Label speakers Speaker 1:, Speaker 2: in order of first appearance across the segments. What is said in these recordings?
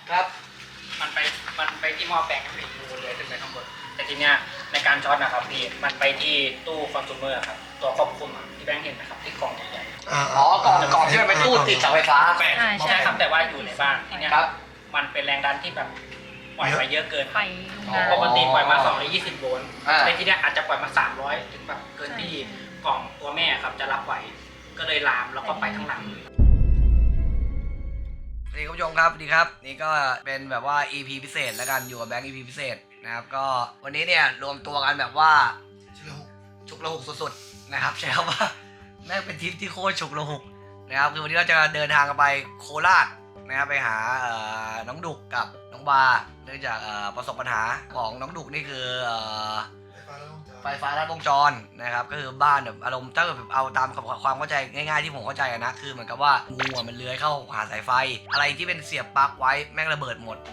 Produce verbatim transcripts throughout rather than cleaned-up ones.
Speaker 1: ครับ
Speaker 2: มันไปมันไปที่หม้อแปลงให้ดูเลยขึ้นไปข้างบนแต่ทีเนี้ยในการช็อตนะครับพี่มันไปที่ตู้คอน sumer ครับตัวควบคุมที่แบงค์เห็นนะครับที่กล่องใหญ่
Speaker 1: อ๋อกล่องกล่องที่มันเป็นตู้ติดเสาไฟฟ้า
Speaker 2: ใช่ใช่ครับแต่ว่าอยู่ในบ้านทีเนี้ยมันเป็นแรงดันที่แบบปล่อยไปเยอะเกินไปปกติปล่อยมาสองร้อยยี่สิบโวลต์ในที่เนี้ยอาจจะปล่อยมาสามร้อยถึงแบบเกินที่กล่องตัวแม่ครับจะรับไหวก็เลยลามแล้วก็ไปทั้งหลัง
Speaker 1: สวัสดีคุณผู้ชมครับสวัสดีครับนี่ก็เป็นแบบว่า อี พี พิเศษแล้วกันอยู่กับแบงค์ อี พี พิเศษนะครับก็วันนี้เนี่ยรวมตัวกันแบบว่าฉุกละหุกสุดๆนะครับใช่ครับว่าแม่งเป็นทริปที่โคตรฉุกละหุกนะครับคือวันนี้เราจะเดินทางกันไปโคราชนะครับไปหาน้องดุกกับน้องบาเนื่องจากประสบปัญหาของน้องดุกนี่คือไฟฟ้าลัดวงจรนะครับก็คือบ้านแบบอารมณ์ถ้าเกิดแบบเอาตามความเข้าใจง่ายๆที่ผมเข้าใจนะคือเหมือนกับว่างูมันเลื้อยเข้าหาสายไฟอะไรที่เป็นเสียบปลั๊กไว้แม่งระเบิดหมด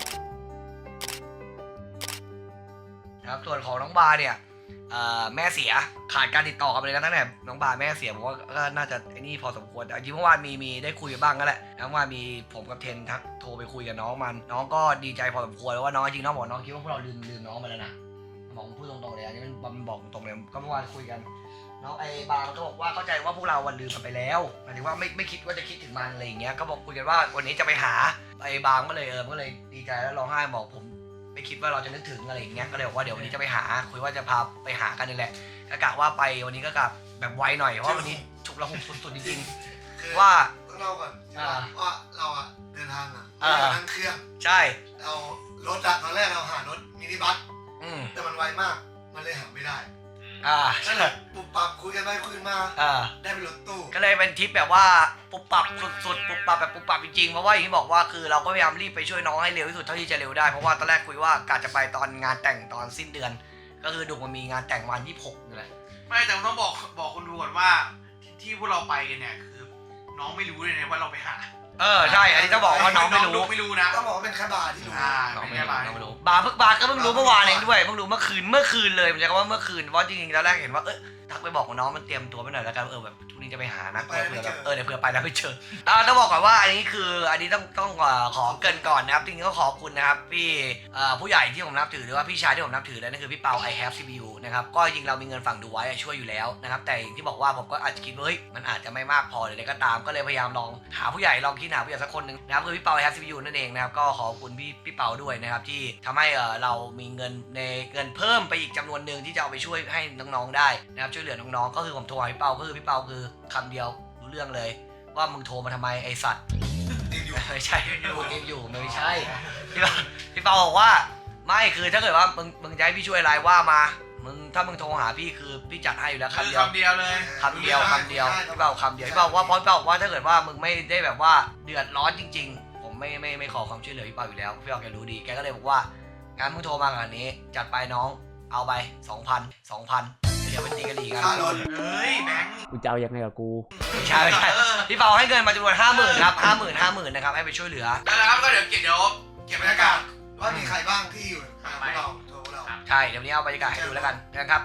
Speaker 1: นะครับส่วนของน้องบาเนี่ยแม่เสียขาดการติดต่อกันไปเลยนะตั้งแต่น้องบาแม่เสียผมว่าก็น่าจะไอ้นี่พอสมควรแต่จริงเมื่อวานมีมีได้คุยกันบ้างก็แหละเมื่อวานมีผมกับเทนทักโทรไปคุยกับน้องมันน้องก็ดีใจพอสมควรแล้วว่าน้องจริงน้องบอกน้องคิดว่าพวกเราลืมลืมน้องไปแล้วนะบอกพูดตรงๆเลยอันนี้มันบอกตรงเลยก็เมื่อวานคุยกันน้องไอ้บางก็บอกว่าเข้าใจว่าพวกเราวันลืมมันไปแล้วหมายถึงว่าไม่ไม่คิดว่าจะคิดถึงมันอะไรอย่างเงี้ยก็บอกคุยกันว่าวันนี้จะไปหาไอ้บางก็เลยเออก็เลยดีใจแล้วร้องไห้บอกผมไม่คิดว่าเราจะนึกถึงอะไรอย่างเงี้ยก็เลยบอกว่าเดี๋ยววันนี้จะไปหาคุยว่าจะพาไปหากันนี่แหละก็กะว่าไปวันนี้ก็กะแบบไวหน่อยเพราะว่าวันนี้ฉุกละหุกสุดๆจริงๆว่า
Speaker 3: ต้องเล่าก่อนว่าเราอะเดินทางอะนั่งเครื่อง
Speaker 1: ใช่
Speaker 3: เรารถอะตอนแรกเราหารถมินิบัสแต่มันไวมากมันเลยหาไม่ได้
Speaker 1: อ่า
Speaker 3: นั่นแหละปุบปับคุยกันไปคุยมา
Speaker 1: อ่า
Speaker 3: ได้เป็นรถตู้
Speaker 1: ก็เลยเป็นทริปแบบว่าปุบปับสุดๆปุบปับแบบปุบปับจริงๆเพราะว่าอย่างที่บอกว่าคือเราก็พยายามรีบไปช่วยน้องให้เร็วที่สุดเท่าที่จะเร็วได้เพราะว่าตอนแรกคุยว่ากะจะไปตอนงานแต่งตอนสิ้นเดือนก็คือดุมันมีงานแต่งวันที่หกนี่แหละ
Speaker 4: ไม่แต่ต้องบอกบอกคนดูก่อนว่าที่พวกเราไปกันเนี่ยคือน้องไม่รู้เลยนะว่าเราไปหา
Speaker 1: เออใช่อันนี้ต้องบอกว่าน้องไม่รู้
Speaker 4: ไม่รู้นะ
Speaker 3: ต้องบอกว่าเป็นแค่บาร์ที่รู้
Speaker 4: น้องไม่รู้น้องไม่รู้
Speaker 1: บาร์เพิ่งบาร์ก็เพิ่งรู้เมื่อวานเองด้วยเพิ่งรู้เมื่อคืนเมื่อคืนเลยมันจะคำว่าเมื่อคืนเพราะจริงๆแล้วแรกเห็นว่าเออทักไปบอกน้องมันเตรียมตัวไปหน่อยแล้วกันเออแบบทุกนี้จะไปหานะเผื่อแบบเออเดี๋ยวเผื่อไปแล้วไม่เจออ่าต้องบอกก่อนว่าอันนี้คืออันนี้ต้องต้องขอเกินก่อนนะครับจริงๆก็ขอบคุณนะครับพี่ผู้ใหญ่ที่ผมนับถือหรือว่าพี่ชายที่ผมนับถือเลยนั่นคือพี่เปา I have ซี พี ยู นะครับก็จริงเรามีเงินฝั่งดูไว้ช่วยอยู่แล้วนะครับแต่อย่างที่บอกว่าผมก็อาจจะคิดว่าเฮ้ยมันอาจจะไม่มากพอหรืออะไรก็ตามก็เลยพยายามลองหาผู้ใหญ่ลองคิดหาผู้ใหญ่สักคนนึงนะครับคือพี่เปา I have ซี พี ยู นั่นเองนะครับก็ขอบคุณพี่พี่เปาด้วยนะครับที่ทำให้เรามีเงินในเงินเพิ่มไปอีกจำนวนหนึ่งที่จะเอาไปช่วยให้น้องๆได้นะครับช่วยเหลือน้องๆก็คือผมโทรหาพี่เปาก็คือพี่เปาคือคำเดียวรู้เรื่องเลยว่ามึงโทรมาทำไมไอสัตว์ไม่ใช่ดูเกมอยู่ไม่ใช่พี่เปาพี่เปาบอกว่าไม่คือถ้าเกิดว่ามึงมึงจะให้พี่ช่วยอะไรว่ามามึงถ้ามึงโทรหาพี่คือพี่จัดให้อยู่แล้วคำเดียว
Speaker 4: คำเดียวเลย
Speaker 1: คำเดียวคำเดียวพี่เปาคำเดียวพี่เปาว่าเพราะพี่เปาบอกว่าถ้าเกิดว่ามึงไม่ได้แบบว่าเดือดร้อนจริงๆผมไม่ไม่ไม่ขอความช่วยเหลือพี่เปาอยู่แล้วพี่เปาแกรู้ดีแกก็เลยบอกว่างั้นมึงโทรมาขนาดนี้จัดไปน้องเอาไป สองพัน สองพันเดี๋ยวไปตีกันอีกกัน
Speaker 4: เฮ้ยแบงค์
Speaker 5: กูจะเอายังไงกับกู
Speaker 1: ใช่ใช่พี่เปาให้เงินมาจำนวนห้าหมื่นครับห้าหมื่นห้าหมื่นนะครับให้ไปช่วยเหลือ
Speaker 4: แล้วครับก็เดี๋ยวเก็บเดี๋ยว
Speaker 3: เก็บบรรยากาศว่ามีใครบ้างที่อยู่หาพวกเราโทรเรา
Speaker 1: ใช่เดี๋ยวนี้เอาบรรยากาศให้ดูแล้วกันนะครับ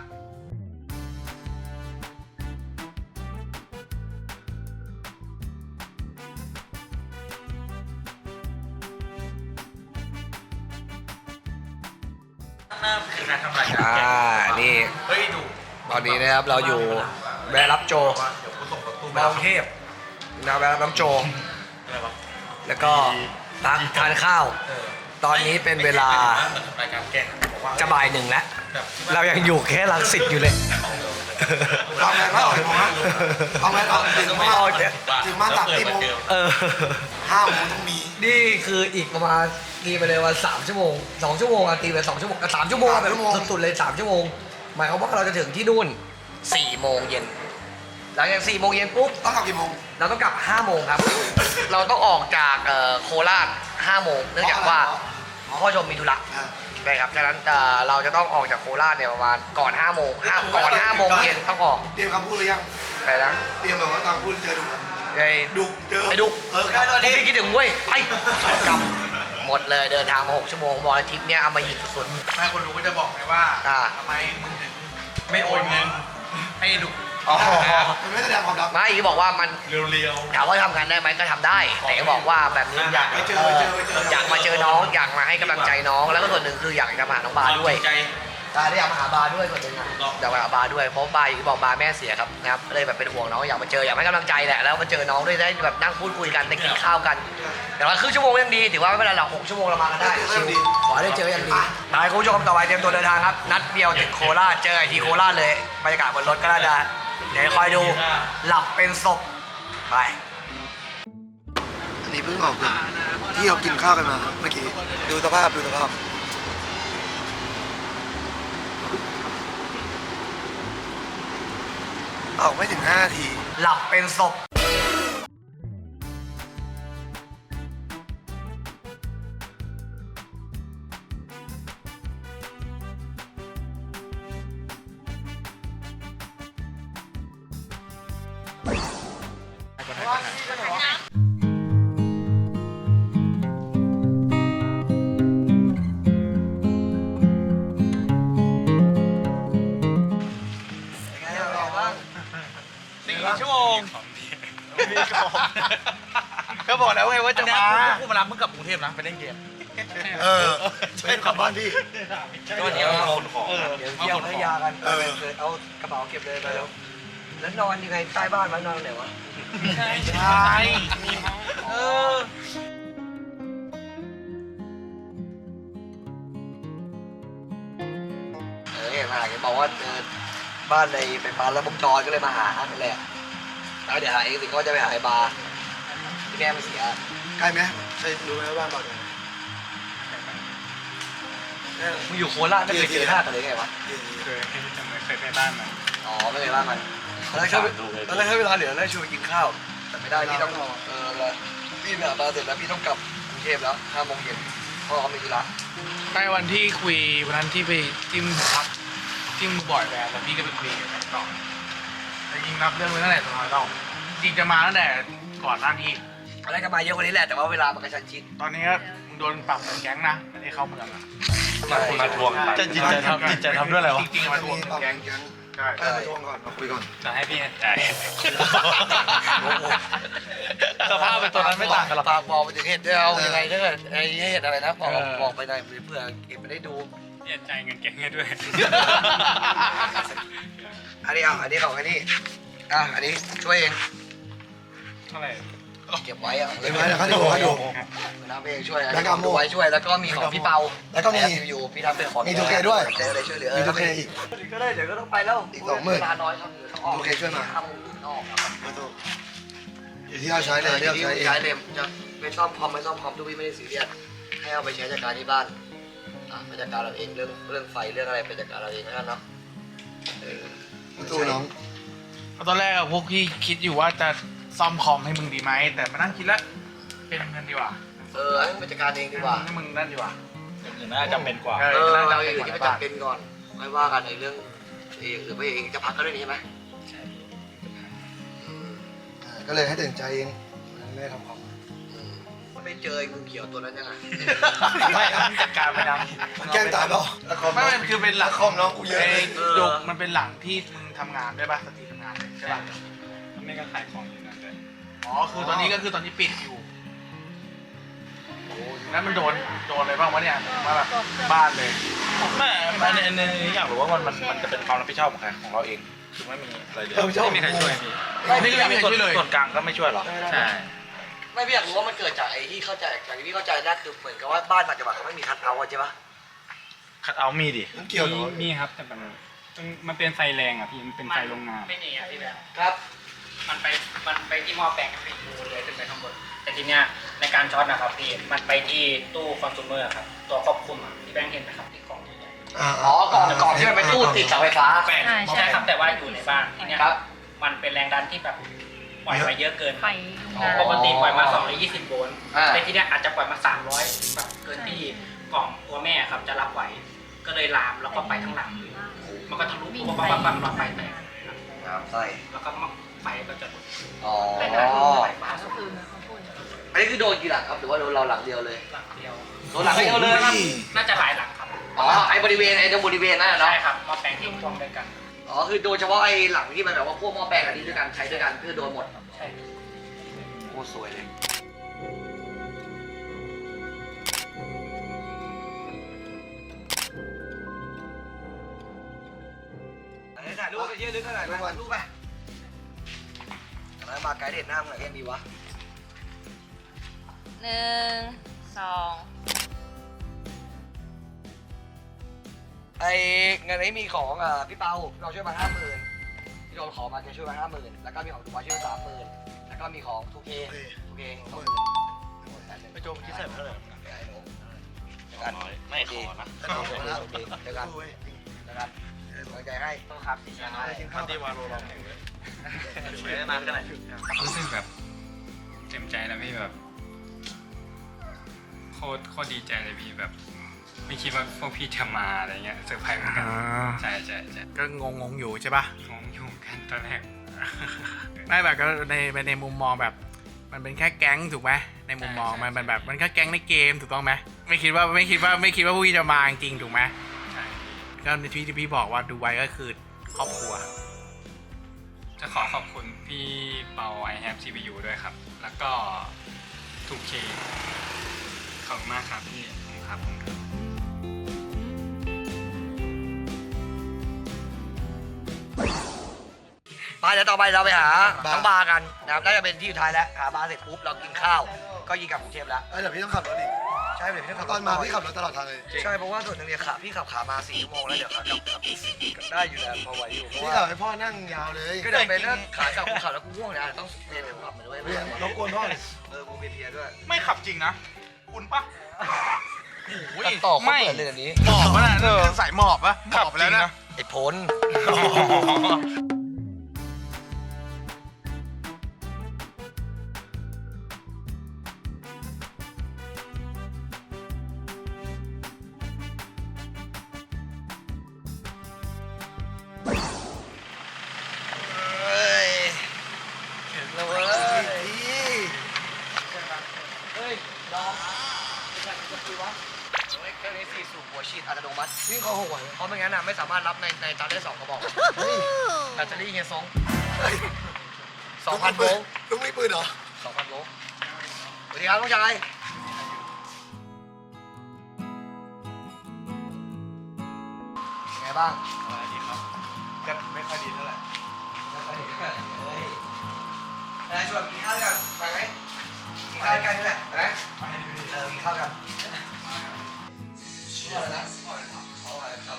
Speaker 2: คือการทำรายการ
Speaker 1: อ่านี่
Speaker 2: เฮ้ยดู
Speaker 1: ตอนนี้นะครับเราอยู่แวะรับโจแวะกรุงเทพนะแวะรับน้ำโจแล้วก็ตักทานข้าวตอนนี้เป็นเวลาจะบ่ายหนึ่งแล้วเรายังอยู่แค่รังสิตอยู่เลย
Speaker 3: ทำไงไม่ออกมาเอาไงเอาถึงมาถึงมาตัดที่โมง
Speaker 1: เออ
Speaker 3: ห้าโมงต้องมี
Speaker 1: นี่คืออีกประมาณตีไปเลยวันสามชั่วโมงสองชั่วโมงอะตีไปสองชั่วโมงสามชั่วโมงแบบสุดๆเลยสามชั่วโมงหมายความว่าเราจะถึงที่นู่นสี่โมงเย็นหลังจากสี่โมงเย็นปุ๊บ
Speaker 3: ต้องกลับกี่โมง
Speaker 1: เราต้องกลับห้าโมงครับเราต้องออกจากโคราชห้าโมงเนื่องจากว่าพ่อชมมีธุระใช่ครับฉะนั้นเราจะต้องออกจากโคราชเนี่ยประมาณก่อนห้าโมงห้าก่อนห้าโมงเย็นต้องออก
Speaker 3: เตรียมคำพูดหรือยัง
Speaker 1: ไปแล้ว
Speaker 3: เตรียมแบบว่าตอนพูดเจอดุ
Speaker 1: ไอ้
Speaker 3: ดุเจอ
Speaker 1: ไอ้ดุ
Speaker 3: เออ
Speaker 1: ตอนนี้คิดถึงเว้ยไปกลับหมดเลยเดินทางมาหกชั่วโมงบอลทิปเนี่ยเอามาหยิบสุด
Speaker 4: ๆแม่คนดูก็จะบอกไงว่าทำไมมึงถึงไม่โอนเงินให้ดุ
Speaker 1: อ๋อ
Speaker 3: มันไม่แสดงความรัก
Speaker 1: ไม่อีบอกว่ามัน
Speaker 5: เรียว
Speaker 1: ถามว่าทำงานได้ไหมก็ทำได้ แต่ก็บอกว่าแบบนี้อยาก
Speaker 3: ไปเจอไปเจอไปเจอ
Speaker 1: อยากมาเจอน้องอยากมาให้กำลังใจน้องแล้วก็ส่วนหนึ่งคืออยากจะมาหาน้องบาด้วย
Speaker 5: ใจ
Speaker 1: ตาได้อยากมาหาบาด้วยส่วนหนึ่งอะอยากมาหาบาด้วยเพราะบาอย่างที่บอกบาแม่เสียครับนะครับเลยแบบเป็นห่วงน้องอยากมาเจออยากให้กำลังใจแหละแล้วมาเจอน้องด้วยได้แบบนั่งพูดคุยกันได้กินข้าวกันแต่ว่าครึ่งชั่วโมงยังดีถือว่าไม่เป็นไรหรอกหกชั่วโมงเรามากันได้ชิวขอได้เจอยังดีไปคุณผู้ชมต่อไปเตรียมตัวเดินทางครับนัดเดียวถึงโคราชเจอไอทีโคราชเลยบรรยากาศบนรถก็น่าจะเดี๋ยวคอยดูหลับเป็นศพไป
Speaker 3: อันนี้เพิ่งออกจากที่เรากินข้าวกันมาเมื่อกี้ดูสภาพดูสภาพออกไม่ถึงห้านาที
Speaker 1: หลับเป็นศพ
Speaker 5: สี่ชั่วโมงก็บอกแล้วไงว่าจะมากูมารับมึงกลับกรุงเทพนะไปเล่นเกม
Speaker 3: เออช่วยขับบ้านพี่
Speaker 5: ก็เดี๋ยวคนของ
Speaker 1: เดี๋ยวเที่ยวพัทยากันเอากระเป๋าเก็บเลยไปแล้วแล้วนอนยังไงใต้บ้านมันนอนไหนวะ
Speaker 5: ใช่ใช่เออ
Speaker 1: เออเห็นมาเห็นบอกว่าเออบ้านในเป็นบ้านแล้ววงจรก็เลยมาหานั่นแหละแล้วเดี๋ยวหาเองสิก็จะไปหาไอ้บาร์ที่แม่มันเสีย
Speaker 3: ใกล้ไหมใช่รู้ไหมว่าบ้านเราเนี่ย
Speaker 1: มึงอยู่โคราชไม่เคยเจอหน้ากันเลยไงวะ
Speaker 5: เคยเคยไปบ้านมา
Speaker 1: อ๋อไม่เคยบ้านมันตอนแรกเขาตอนแรกให้เวลาเหลือแล้วชวนกินข้าวแต่ไม่ได้พี่ต้องเออแล้วพี่ไปหาบาร์เสร็จแล้วพี่ต้องกลับกรุงเทพแล้วห้าโมงเย็นเพราะเขามีธุระ
Speaker 6: ใช่วันที่คุยวันนั้นที่ไปจิ้มพักจิ้มบ่อยแหวนแล้วพี่ก็ไปคุยกับแฟนต่อแต่จริงรับเรื่องไว้ตั้งแต่ตอนนั้นเราจริงจะมาตั้งแต่ก่อนหน้านี้
Speaker 1: ตอนแรกก็มาเยอะกว่านี้แหละแต่ว่าเวลามันกระชั้นชิด
Speaker 6: ตอนนี้ก็มึงโดนปรับเป็นแก๊งนะไม่ได้เข้าเมืองอะ
Speaker 5: มาทวงจะจิตใจทำจิตใจทำด้วยอะไรวะ
Speaker 6: จริงๆมาทวงเป็นแก๊งใช่
Speaker 3: เออไปทวงก่อนมาคุยก่อน
Speaker 5: จะให้พี่จ่ายสภาพเป็นตัวนั้นไม่ต่างกันหรอก
Speaker 1: ฝากบอกไปถึงเหตุด้วยเอายังไงถ้าเกิดไอ้เหตุอะไรนะบอกบอกไปหน่อยเพื่อเก็บไปได้ดู
Speaker 5: พี่จ่ายเงินเก่งให้ด้วย
Speaker 1: อันนี้เอาอันนี้ของอันนี้อ่ะอันนี้ช่วยเอง
Speaker 5: เท่าไหร่
Speaker 1: เก็บไว้อ่ะ
Speaker 3: เดี๋ยวไว้เดี๋ยวเขาดูเขาดู
Speaker 1: น้ำเองช่วยอัน
Speaker 3: แล้ว
Speaker 1: นี้
Speaker 3: ก็
Speaker 1: ผมดูไว้ช่วยแล้วก็มีของพี่เปา
Speaker 3: แล้วก็มี
Speaker 1: อยู่พี่ทำเป็นของ
Speaker 3: มีทูเคด้วย
Speaker 1: เจอเลยช่วยเหลือ
Speaker 3: มีทูเคอีก
Speaker 1: ก็ได้เดี๋ยวก็ต้องไปแล้ว
Speaker 3: อีกสองหมื่น
Speaker 1: เวลาน้อยครับเดี๋ยวต้องออก
Speaker 3: ทูเคช่วยมา
Speaker 1: ห้าโมงถึงต้องออกครับ
Speaker 3: มาดูอยู่ที่เราใช้เลยที่เรา
Speaker 1: ที่
Speaker 3: ใช้เอง
Speaker 1: ใช้เลยจะไม่ซ่อมคอมไม่ซ่อมคอมทุกพี่ไม่ได้ซีเรียสให้เอาไปใช้จัดการที่บ้านอ่ะไปจัดการเราเองเรื่องเรื่องไฟเรื่องอะไรไปจัดการเราเองแล้วกันเนาะเออ
Speaker 3: มาดูน้อง
Speaker 6: ตอนแรกอะพวกพี่คิดอยู่ว่าจะซ่อมคอมให้มึงดีไหมแต่มานั่งคิดแล้วเป็นเงินดีกว่า
Speaker 1: เออให้ไปจัดการเองดีกว่า
Speaker 6: ให้มึงนั่นดีกว่า
Speaker 5: อย่างอื่นน่าจะเป็นกว่า
Speaker 6: เอ
Speaker 1: เออ
Speaker 6: น่าจะ
Speaker 1: เราอ
Speaker 6: เป็
Speaker 1: ย่าน ง
Speaker 6: ก
Speaker 1: อื่น
Speaker 6: ว่า
Speaker 1: ที่
Speaker 6: ใน บ้าน
Speaker 1: ไม่จำเป็นก่อนไม่ว่ากันในเรื่องเองหรือไม่เองจะพักก็ได้นี่ใช่ไหม
Speaker 3: อ่าก็เลยให้ตัดสินใจเองไม่ได้ทำคอม
Speaker 1: อืมไม่เจอไอ้งูเขียวตัวนั้นยังไง
Speaker 5: ไม่ครับจัดการไปดัง
Speaker 3: มันแกล้งตายเปล่าละคอม
Speaker 6: ไม่มันคือเป็นหลั
Speaker 3: ละ
Speaker 6: ง
Speaker 3: คอมน้องกูเยอะ
Speaker 6: ไอ้
Speaker 3: เลย
Speaker 6: จุกมันเป็นหลังที่มึงทำงานด้วยป่ะสตรีทำงานใช่ป่ะ
Speaker 5: ไม่ก็ขายของอยู่นั่นเลย
Speaker 6: อ๋อคือตอนนี้ก็คือตอนนี้ปิดอยู่โอ้ยแล้วมันโดนโดนอะไรบ้างวะเนี่ยมาแบบบ้านเลย
Speaker 5: ไม่อันนี้อันนี้อยากรู้ว่ามันมันมันจะเป็นความรับผิดชอบของใครของเราเองคือไม่มีอะไรเลย
Speaker 3: เออชอบ
Speaker 5: ไม่มีใครช่วยพี่
Speaker 6: ไม่ไม่ไม่ช่วยเลย
Speaker 5: ส่วนกลางก็ไม่ช่วยหรอใช่
Speaker 1: ไม่พี่อยากรู้ว่ามันเกิดจากไอ้ที่เข้าใจจากที่พี่เข้าใจนะคือเหมือนกับว่าบ้านต่างจังหวัดเขาไม่มีคัทเอาท์ใช่ปะ
Speaker 5: คัดเอามีดิ
Speaker 3: มันเกี่ยวเหรอ
Speaker 7: มีครับแต่มันมันเป็นไฟแรงอ่ะพี่มันเป็นไฟโรงงาน
Speaker 2: ไม่หนีอ่ะพี่แบบ
Speaker 1: ครับ
Speaker 2: มันไปมันไปที่หม้อแปลงครับพี่ดูเลยขึ้นไปข้างบนแต่ทีเนี้ยในการช็อตนะครับพี่มันไปที่ตู้คอน sumer ครับตัวควบคุมอ่ะที่แบงค์เห็นไหมครับที่กล่องใหญ่
Speaker 3: อ่า
Speaker 1: อ๋อกล่องกล่องที่มันเป็นตู้ติดเสาไฟฟ้า
Speaker 2: แปลงใช่ครับแต่ว่าอยู่ในบ้านทีเนี้ย
Speaker 1: ครับ
Speaker 2: มันเป็นแรงดันที่แบบปล่อยไปเยอะเกิน
Speaker 8: ไฟโรงงาน
Speaker 2: ปกติปล่อยมาสองร้อยยี่สิบโวลต์
Speaker 1: อ่า
Speaker 2: แต่ทีเนี้ยอาจจะปล่อยมาสามร้อยแบบเกินที่กล่องตัวแม่ครับจะรับไหวก็เลยลามแล้วก็ไปทั้งหลังเลยมันก็ทะลุปุ๊บปั๊บปั๊บปั๊บหลอดไฟแตก
Speaker 1: น้ำไส้
Speaker 2: แล้วก็ไฟก็จะ
Speaker 1: อ๋อ
Speaker 2: ไฟฟ้า
Speaker 8: ก็คือเขาพูด
Speaker 1: อันนี้คือโดนกี่หลังครับหรือว่าโดนเราหลังเดียวเลย
Speaker 2: หลังเดียว
Speaker 1: โดนหลังเดียวเลย
Speaker 2: น่าจะหลายหลังครับ
Speaker 1: อ๋อไอ้บริเวณไอ้ตรงบริเวณนั่นนะเนาะ
Speaker 2: ใช่ครับหม้อแปลงที่พ่วงด้วยกัน
Speaker 1: ออ๋อคือโดยเฉพาะไอ้หลังที่มันแบบว่าพวกหม้อแปลงอันนี้ด้วยกันใช้ด้วยกันคือโดนหมด
Speaker 2: ใช่
Speaker 1: โคตรสวยเลยถ่ายรูปไปเยอะลึกขนาดนั้นถ่ายรูปไปแล้วมาไกด์เด็ดหน้ามึงไหนยังดีวะ
Speaker 8: หนึ่งสอง
Speaker 1: ไอ้เงินนี้มีของอ่าพี่เปาพี่เปาช่วยมาห้าหมื่นพี่โดนขอมาแกช่วยมาห้าหมื่นแล้วก็มีของถูกมาช่วยมาสามหมื่นแล้วก็มีของทูเคทูเคสองหมื่น
Speaker 5: ไปโจมคิดใส่เท่าไหร่
Speaker 1: กัน
Speaker 5: ไม่ขอนะ
Speaker 1: เจอกันเจอกันกำลังใจให้ต้องครับสิช้า
Speaker 5: มันดีวาโลลองแข่งเลย
Speaker 1: ไม่ได้นานขนาด
Speaker 7: รู้สึกแบบเต็มใจนะพี่แบบโคตรโคตรดีใจเลยพี่แบบ ไม่คิดว่าพวกพี่จะมาอะไรเงี้ยเซอร์ไพรส์เหมือนกันใช่ใช่ใช่
Speaker 6: ก็งงงๆอยู่ใช่ปะ
Speaker 7: งงอยู่เหมือนกันตอนแรก
Speaker 6: ไม่แบบก็ในในมุมมองแบบ มันเป็นแค่แก๊งถูกไหมในมุมมองมันเป็นแบบมันแค่แก๊งในเกมถูกต้องไหมไม่คิดว่าไม่คิดว่าไม่คิดว่าผู้จะมาจริงถูกไหม
Speaker 7: ใช่
Speaker 6: ก็ในที่ที่พี่บอกว่าดูไว้ก็คือครอบครัว
Speaker 7: จะขอขอบคุณพี่เปา I have ซี พี ยู ด้วยครับ แล้วก็ ทู เค ขอบคุณมากครับพี่ขอบคุณครับผมครับ
Speaker 1: ไปเดี๋ยวต่อไปเราไปหาน้องบาร์กันนะครับน่าจะเป็นที่สุดท้ายแล้วหาบาร์เสร็จปุ๊บเรากินข้าวก็ยิงกลับกรุงเทพแล้ว
Speaker 3: เอ้ยเดี๋ยวพี่ต้องขับรถอีก
Speaker 1: ใช่เดี๋ยวพี่ต้องขับ
Speaker 3: ตอนมาพี่ขับรถตลอดทางเลย
Speaker 1: ใช่เพราะว่าส่วนหนึ่งเนี่ยขาพี่ขับขามาสี่ชั่วโมงแล้วเดี๋ยวขากลับขับได้อยู่แล้วพอไหวอยู่เพราะ
Speaker 3: พี่
Speaker 1: ว่า
Speaker 3: ขับให้พ่อนั่งยาวเลย
Speaker 1: ก็เดี๋ยวเป็นเรื่องขากลับกูขับแล้วกูง่วงนะต้องเรียนเดี๋ยวขับมาด้วย
Speaker 3: เรียนรบกวนพ่อเลย
Speaker 1: เออกูเพียร์ด้วย
Speaker 5: ไม่ขับจริงนะคุณปะ
Speaker 1: ตัดต่อเขาเปิดเลยอันนี้
Speaker 5: หมอบปะน่ะเออใส่หมอบปะหมอบไปแล้วนะ
Speaker 1: ไอ้พลเฮ้ยเห็นแล้วเว้ยเฮ้ยน้องเป็นการจะคุยวะเครื่องนี้สี่สูบหัวฉีดอัตโนมัติ
Speaker 3: วิ่งเขาหวย
Speaker 1: เพราะไม่งั้นอ่ะไม่สามารถรับในในจานได้สองกระบอก
Speaker 3: เฮ้ย
Speaker 1: แบตเตอรี่เฮียซงสองพันโวลต์
Speaker 3: ลุงมีปืนเหรอ
Speaker 1: สองพันโวลต์สวัสดีครับน้องชายยังไงบ้าง
Speaker 5: อะไรดีครับก็ไม่ค่อยดีเท่าไหร่
Speaker 1: เฮ้ยนายชวนกินข้าวกันไปไหมกินข้าวกันนี่แหละไปไหมเออกินข้าวกันชื่ออะไรนะเขาอะไรครับ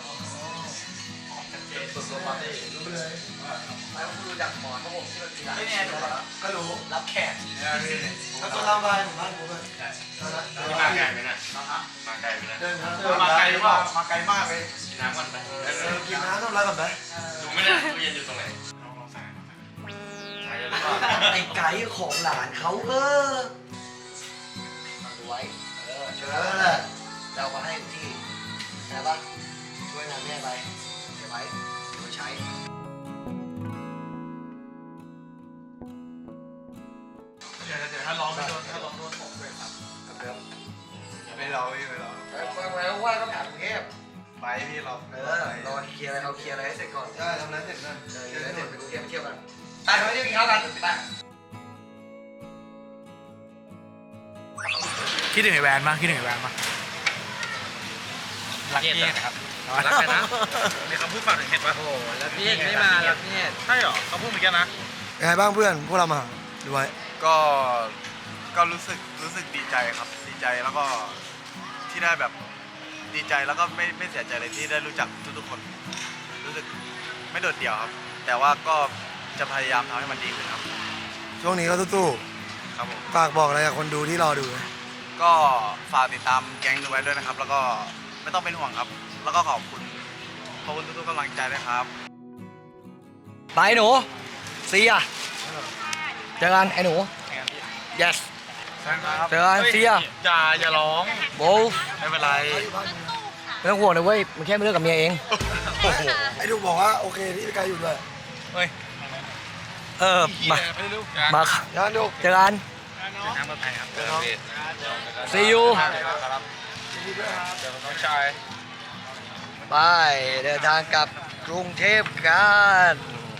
Speaker 1: สุดๆปาร์ตี้รู้เลยไม่ต้องดูจากหมอนเพราะผมที่มันมีหลายชื่อแล้วก็รู้รับแขก
Speaker 3: ถ้าตัวเราไปหมู่บ้านผมเลย
Speaker 5: นี่มาไกลไหมนะมาไกลไหมนะ
Speaker 3: เดินทาง
Speaker 5: มาไกลหรือเปล่ามาไกลมากเลยกินน้ำก่อนไป
Speaker 3: เออกินน้ำทำอะไรก่อนไหม
Speaker 5: ดูไม่ได้ตู้เย็นอยู่ตรงไหนลองลองใส่ใส่เลยหรือเปล่า
Speaker 1: ไอ้ไก่ของหลานเขาเออมาดูไว้ เออ
Speaker 3: เจอแล้วแหละ
Speaker 1: จะเอามาให้ที่ใช่ปะช่วยงานแม่ไปเก็บไว้เดี๋ยวใช้
Speaker 5: เดี๋ยวเดี๋ยวถ้าร้องไม่โดนถ้าร้องโดนผมด้วยครับ
Speaker 1: ครับ
Speaker 5: ไม่ร้องไม่ไม่ร้อง
Speaker 1: แล้วแล้วว่าต้องกลับกรุงเทพ
Speaker 5: ไปพี่ร้อง
Speaker 1: เออรอเคลียร์อะไรเอาเคลียร์อะไรให้เสร็จก่อน
Speaker 3: ใช่ทำนั้นเสร็จนั่น
Speaker 1: เออเดี๋ยวเสร็จไปกรุงเทพไปเที่ยวกันไปไปเที่ยวกินข้าวกันไป
Speaker 6: คิดถึงไอ้แวนมั้ยคิดถึงไอ้แวนมั้ย
Speaker 7: รักเกียรติครับ
Speaker 5: รักใครนะมีคำพูดฝากถึงเห็ดป่ะโอ้
Speaker 2: แล้วพี่ไม่มาแล้วพี่
Speaker 5: ใช่เหรอเขาพูดเหมือนกันนะ
Speaker 3: ยังไงบ้างเพื่อนพวกเรามาดูไว้
Speaker 5: ก็ก็รู้สึกรู้สึกดีใจครับดีใจแล้วก็ที่ได้แบบดีใจแล้วก็ไม่ไม่เสียใจเลยที่ได้รู้จักทุกๆคน รู้สึกไม่โดดเดี่ยวครับ แต่ว่าก็จะพยายามทำให้มันดีขึ้นครับ
Speaker 3: ช่วงนี้ก็สู้
Speaker 5: ครับผม
Speaker 3: ๆฝากบอกอะไรกับคนดูที่รอดูนะ
Speaker 5: ก็ฝากติดตามแก๊งดูไว้ด้วยนะครับ แล้วก็ไม่ต้องเป็นห่วงครับ แล้วก็ขอบคุณขอบคุณทุกๆกำลังใจด้วยครับ
Speaker 1: ไปหนูเสียเจอกันไอ้หนู yes เจอกันเสีย
Speaker 5: อย่าอย่าร้อง
Speaker 1: โบ
Speaker 5: ไม่เป็นไร
Speaker 1: ไม่ต้องห่วงนะเว้ยมึงแค่ไม่เลิกกับเมียเอง
Speaker 3: ไอ้ดูบอกว่าโอเคที่พี่กายอยู่ด้วย
Speaker 1: เออมามาครับ
Speaker 3: ย้อนดู
Speaker 1: เจอกัน
Speaker 5: น้ำปลอดภัยครับ
Speaker 1: see you
Speaker 5: เดี๋ยวน้องชาย
Speaker 1: ไปเดินทางกลับกกรุงเทพกัน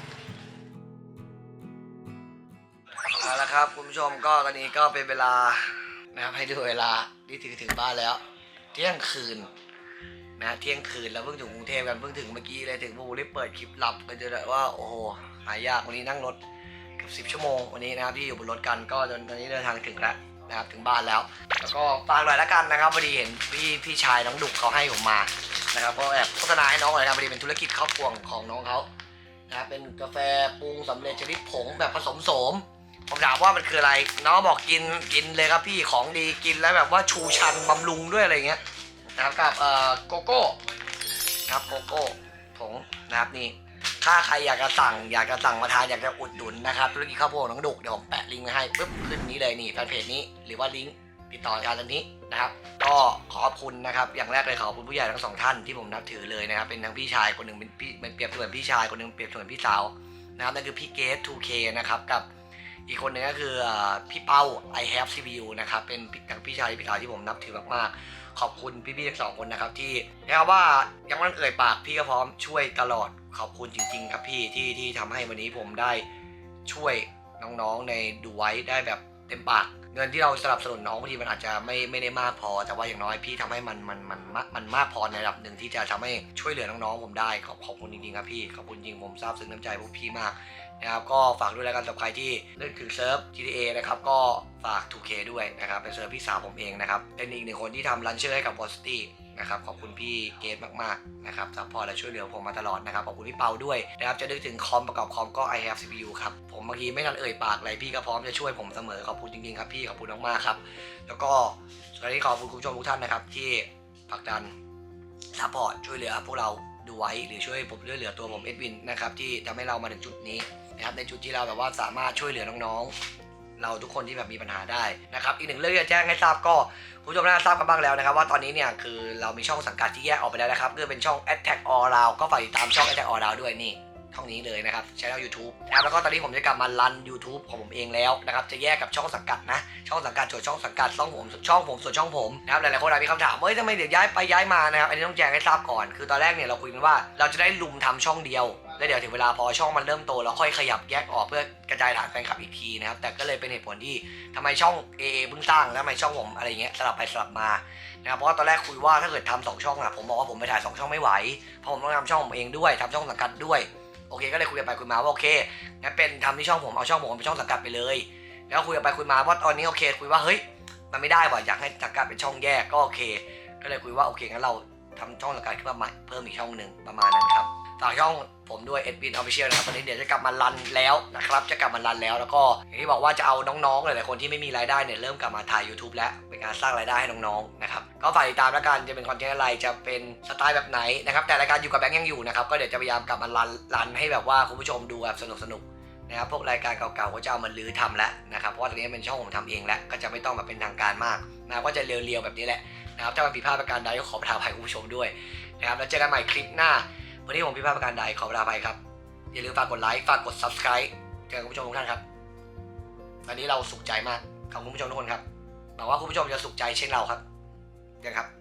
Speaker 1: เอาละครับคุณผู้ชมก็ตอนนี้ก็เป็นเวลานะครับให้ดูเวลาที่ถึงถึงบ้านแล้ว เที่ยงคืนนะเที่ยงคืนแล้วเพิ่งถึงกรุงเทพกันเพิ่งถึงเมื่อกี้เลยถึงบูรีบเปิดคลิปหลับก็จะแบบว่าโอ้โหหายากวันนี้นั่งรถเกือบสิบชั่วโมงวันนี้นะครับที่อยู่บนรถกันก็จนตอนนี้เดินทางถึงแล้วนะครับถึงบ้านแล้วแล้วก็ฝากหน่อยละกันนะครับพอดีเห็นพี่พี่ชายน้องดุกเขาให้ผมมานะครับก็แอบโฆษณาให้น้องหน่อยนะพอดีเป็นธุรกิจครอบครัวของน้องเขานะครับเป็นกาแฟปรุงสำเร็จชนิดผงแบบผสมโสมผมถามว่ามันคืออะไรน้องบอกกินกินเลยครับพี่ของดีกินแล้วแบบว่าชูชันบำรุงด้วยอะไรเงี้ยนะครับกับเอ่อโกโก้นะครับโกโก้ผงนะครับนี่ถ้าใครอยากจะสั่งอยากจะสั่งมาทานอยากจะอุดหนุนนะครับธุรกิจข้าวโพดน้องดุกเดี๋ยวผมแปะลิงก์ไว้ให้ปุ๊บขึ้นนี้เลยนี่แฟนเพจนี้หรือว่าลิงก์ติดต่อการตอนนี้นะครับก็ขอบคุณนะครับอย่างแรกเลยขอบคุณผู้ใหญ่ทั้งสองท่านที่ผมนับถือเลยนะครับเป็นทั้งพี่ชายคนหนึ่งเป็นพี่เป็นเปรียบเสมือนพี่ชายคนหนึ่งเปรียบเสมือนพี่สาวนะครับนั่นคือพี่เกส ทู เค นะครับกับอีกคนหนึ่งก็คือพี่เป้า I have ซี พี ยู นะครับเป็นทั้งพี่ชายพี่สาวที่ผมนับถือมากๆขอบคุณพี่ๆทั้งสองคนนะครับที่เรียกว่ายังไม่ต้องเอ่ยปากพี่ก็พร้อมช่วยตลอดขอบคุณจริงๆครับพี่ที่ที่ทำให้วันนี้ผมได้ช่วยน้องๆในดูไว้ได้แบบเต็มปากเงินที่เราสนับสนุนน้องบางทีมันอาจจะไม่ไม่ได้มากพอแต่ว่าอย่างน้อยพี่ทำให้มันมันมันมันมากพอในระดับหนึ่งที่จะทำให้ช่วยเหลือน้องๆผมได้ขอบขอบคุณจริงๆครับพี่ขอบคุณจริงผมซาบซึ้งน้ำใจพวกพี่มากนะครับก็ฝากด้วยแล้วกันสำหรับใครที่นึกถึงเซิร์ฟ จี ที เอ นะครับก็ฝาก ทู เค ด้วยนะครับเป็นเซิร์ฟพี่สาวผมเองนะครับเป็นอีกหนึ่งคนที่ทำรันเชอร์ให้กับ Velocity นะครับขอบคุณพี่เกตมากๆนะครับซัพพอร์ตและช่วยเหลือผมมาตลอดนะครับขอบคุณพี่เปาด้วยนะครับจะนึกถึงคอมประกอบคอมก็ I have ซี พี ยู ครับผมบางทีไม่ทันเอ่ยปากอะไรพี่ก็พร้อมจะช่วยผมเสมอขอบคุณจริงๆครับพี่ขอบคุณมากๆครับแล้วก็สวัสดีขอบคุณคุณผู้ชมทุกท่านนะครับที่ผลักดันซัพพอร์ตช่วยเหลือพวกเราดูไว้หรือช่วยผมช่วยเหลือตัวผมเอ็ดวินนะครับที่ทำให้เรามาถึงจุดนี้นะครับในจุดที่เราแบบว่าสามารถช่วยเหลือน้องๆเราทุกคนที่แบบมีปัญหาได้นะครับอีกหนึ่งเรื่องที่จะแจ้งให้ทราบก็คุณผู้ชมน่าจะทราบกันบ้างแล้วนะครับว่าตอนนี้เนี่ยคือเรามีช่องสังกัดที่แยกออกไปแล้วนะครับคือเป็นช่อง Attack All Round ก็ฝากติดตามช่อง Attack All Round ด้วยนี่ช่องนี้เลยนะครับช่อง YouTube นะครับแล้วก็ตอนนี้ผมจะกลับมารัน YouTube ของผมเองแล้วนะครับจะแยกกับช่องสังกัดนะช่องสังกัดส่วนช่องสังกัดช่องผมช่องผมส่วนช่องผมนะครับหลายๆคนอาจมีคำถามว่าเฮ้ยทำไมเดี๋ยวย้ายไปย้ายมานะครับอันนี้ต้องแจ้งให้ทราบก่อนคือตอนแรกเนี่ยเราคุยกันว่าเราจะได้ลุมทำช่องเดียวแล้วเดี๋ยวถึงเวลาพอช่องมันเริ่มโตเราค่อยขยับแยกออกเพื่อกระจายฐานแฟนคลับอีกทีนะครับแต่ก็เลยเป็นเหตุผลที่ทำไมช่อง เอ เอ เพิ่งสร้างแล้วทำไมช่องผมอะไรเงี้ยสลับไปสลับมานะครับเพราะว่าตอนแรกคุยว่าถ้าเกิดทำสองช่องอะผมบอกว่าผมไปถ่ายสองช่องไม่ไหวเพราะผมต้องทำช่องผมเองด้วยทำช่องสังกัดด้วยโอเคก็เลยคุยกันไปคุยมาว่าโอเคงั้นเป็นทำที่ช่องผมเอาช่องผมเป็นช่องสังกัดไปเลยแล้วคุยกันไปคุยมาว่าตอนนี้โอเคคุยว่าเฮ้ยมันไม่ได้ว่ะอยากให้สังกัดเป็นช่องแยกก็โอเคก็เลยคุยว่าโอเคงั้นเราทำช่องสังกัดขึ้นมาใหม่เพิ่มอีกช่องหนึ่งประมาณนั้นครับฝากช่องผมด้วย Edwin Official นะครับตอนนี้เดี๋ยวจะกลับมารันแล้วนะครับจะกลับมารันแล้วแล้วก็อย่างที่บอกว่าจะเอาน้องๆหลายๆคนที่ไม่มีรายได้เนี่ยเริ่มกลับมาถ่าย YouTube แล้วเป็นการสร้างรายได้ให้น้องๆนะครับก็ฝากติดตามแล้วกันจะเป็นคอนเทนต์อะไรจะเป็นสไตล์แบบไหนนะครับแต่รายการอยู่กับแบงค์ยังอยู่นะครับก็เดี๋ยวจะพยายามกลับมารันรันให้แบบว่าคุณผู้ชมดูแบบสนุกๆนะครับพวกรายการเก่าๆก็จะเอามาลื้อทำแล้วนะครับเพราะว่าตอนนี้เป็นช่องผมทำเองแล้วก็จะไม่ต้องมาเป็นทางการมากนะก็จะเรียวๆแบบนี้แหละนะครับถ้ามันผิดพลาดประการใดก็ขอประทานอภัยคุณผู้ชมด้วยนะครับแล้วเจอกันใหม่คลิปหน้าวันนี้ผมผิดพลาดประการใดขอประทานอภัยครับอย่าลืมฝากกดไลค์ฝากกด Subscribe เจอกันคุณผู้ชมทุกท่านครับวันนี้เราสุขใจมากขอบคุณผู้ชมทุกคนครับหวังว่าคุณผู้ชมจะสุขใจเช่นเราครับยังครับ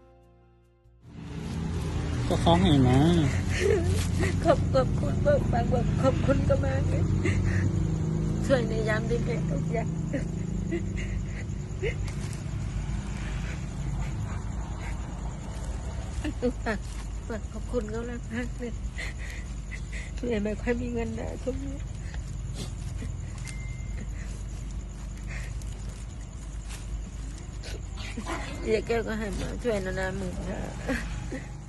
Speaker 9: ก็ฟ้องเห็นนะขอบขอบคุณมากมากขอบคุณก็มากเลยช่วยในยามที่เกิดทุกอย่างฝากฝากขอบคุณเขาแล้วมากเลยเลยไม่ค่อยมีเงินนะช่วงนี้เดี๋ยวแกก็ให้มาช่วยนานาหมื่นนะ